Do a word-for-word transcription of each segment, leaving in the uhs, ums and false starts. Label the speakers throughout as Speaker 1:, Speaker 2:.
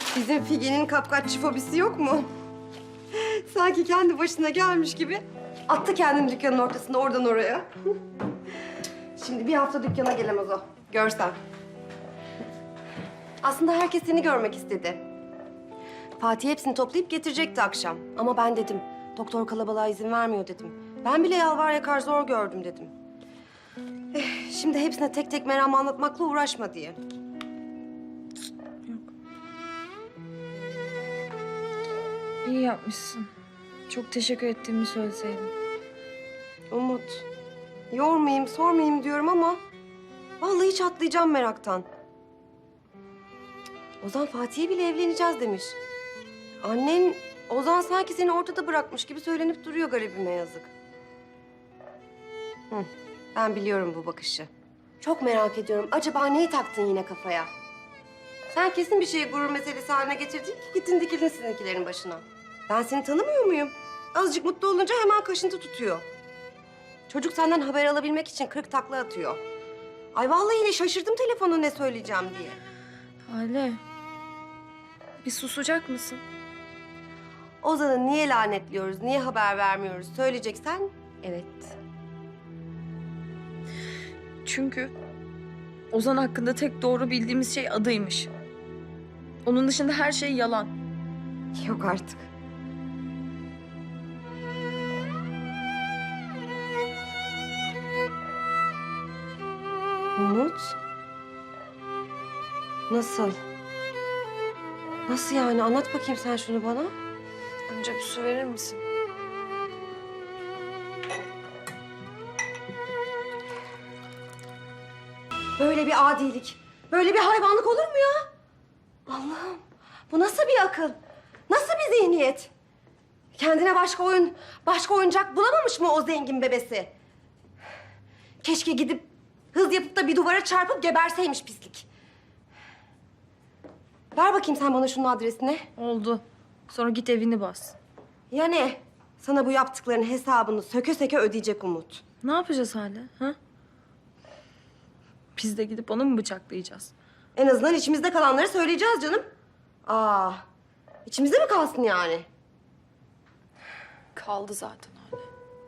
Speaker 1: Bizim Figen'in kapkaççı fobisi yok mu? Sanki kendi başına gelmiş gibi attı kendini dükkanın ortasında oradan oraya. Şimdi bir hafta dükkana gelemez o. Görsen. Aslında herkes seni görmek istedi. Fatih hepsini toplayıp getirecekti akşam. Ama ben dedim, doktor kalabalığa izin vermiyor dedim. Ben bile yalvar yakar zor gördüm dedim. Eh, şimdi hepsine tek tek meramı anlatmakla uğraşma diye.
Speaker 2: İyi yapmışsın. Çok teşekkür ettiğimi söyleseydin.
Speaker 1: Umut, yormayayım, sormayayım diyorum ama vallahi çatlayacağım meraktan. Ozan Fatih'e bile evleneceğiz demiş. Annen Ozan sanki seni ortada bırakmış gibi söylenip duruyor garibime yazık. Hı, ben biliyorum bu bakışı. Çok merak ediyorum. Acaba neyi taktın yine kafaya? Sen kesin bir şeyi gurur meselesi haline getirdin ki gittin dikildin sizinkilerin başına. Ben seni tanımıyor muyum? Azıcık mutlu olunca hemen kaşıntı tutuyor. Çocuk senden haber alabilmek için kırk takla atıyor. Ay vallahi yine şaşırdım telefonu ne söyleyeceğim diye.
Speaker 2: Hale. Bir susacak mısın?
Speaker 1: Ozan'ı niye lanetliyoruz, niye haber vermiyoruz söyleyeceksen evet.
Speaker 2: Çünkü Ozan hakkında tek doğru bildiğimiz şey adıymış. Onun dışında her şey yalan.
Speaker 1: Yok artık. Umut? Nasıl? Nasıl yani? Anlat bakayım sen şunu bana.
Speaker 2: Önce bir su verir misin?
Speaker 1: Böyle bir adilik, böyle bir hayvanlık olur mu ya? Allah'ım, bu nasıl bir akıl? Nasıl bir zihniyet? Kendine başka oyun, başka oyuncak bulamamış mı o zengin bebesi? Keşke gidip hız yapıp da bir duvara çarpıp geberseymiş pislik. Ver bakayım sen bana şunun adresini.
Speaker 2: Oldu. Sonra git evini bas.
Speaker 1: Ya ne? Sana bu yaptıklarının hesabını söke söke ödeyecek Umut.
Speaker 2: Ne yapacağız Hale? Ha? Biz de gidip onu mu bıçaklayacağız?
Speaker 1: En azından içimizde kalanları söyleyeceğiz canım. Aa, içimizde mi kalsın yani?
Speaker 2: Kaldı zaten Hale.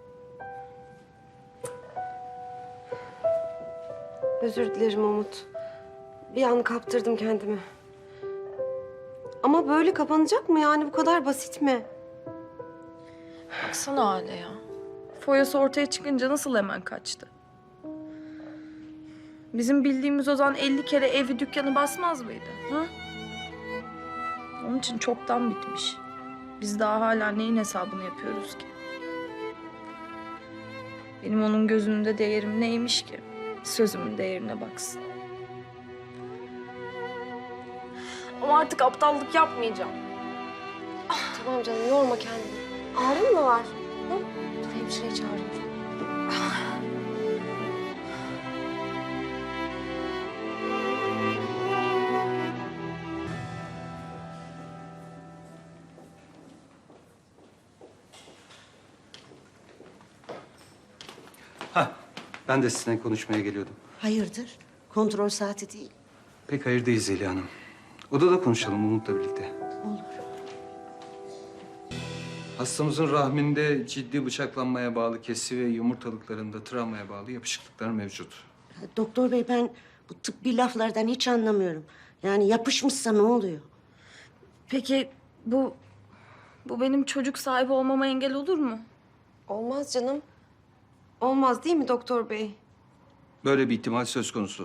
Speaker 1: Özür dilerim Umut. Bir an kaptırdım kendimi. Ama böyle kapanacak mı yani? Bu kadar basit mi?
Speaker 2: Baksana Hale ya. Foyası ortaya çıkınca nasıl hemen kaçtı? Bizim bildiğimiz Ozan elli kere evi dükkanı basmaz mıydı? Ha? Onun için çoktan bitmiş. Biz daha hala neyin hesabını yapıyoruz ki? Benim onun gözünde değerim neymiş ki? Sözümün değerine baksın. Ama artık aptallık yapmayacağım.
Speaker 1: Tamam canım, yorma kendini. Ağrın mı var? Hı? Dur hemşireyi çağırayım.
Speaker 3: Ha, ben de sizinle konuşmaya geliyordum.
Speaker 4: Hayırdır? Kontrol saati değil.
Speaker 3: Pek hayır değil Zeliha Hanım. Odada konuşalım Umut'la birlikte.
Speaker 4: Olur.
Speaker 3: Hastamızın rahminde ciddi bıçaklanmaya bağlı kesi ve yumurtalıklarında travmaya bağlı yapışıklıklar mevcut.
Speaker 4: Doktor bey ben bu tıbbi laflardan hiç anlamıyorum. Yani yapışmışsa ne oluyor?
Speaker 2: Peki bu... Bu benim çocuk sahibi olmama engel olur mu?
Speaker 1: Olmaz canım. Olmaz değil mi doktor bey?
Speaker 3: Böyle bir ihtimal söz konusu.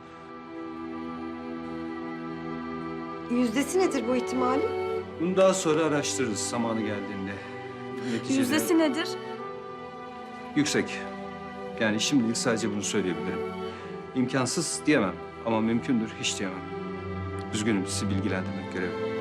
Speaker 1: Yüzdesi nedir bu ihtimalin?
Speaker 3: Bunu daha sonra araştırırız zamanı geldiğinde. Neticede
Speaker 2: Yüzdesi nedir?
Speaker 3: yüksek. Yani şimdilik sadece bunu söyleyebilirim. İmkansız diyemem ama mümkündür hiç diyemem. Üzgünüm sizi bilgilendirmek görevim.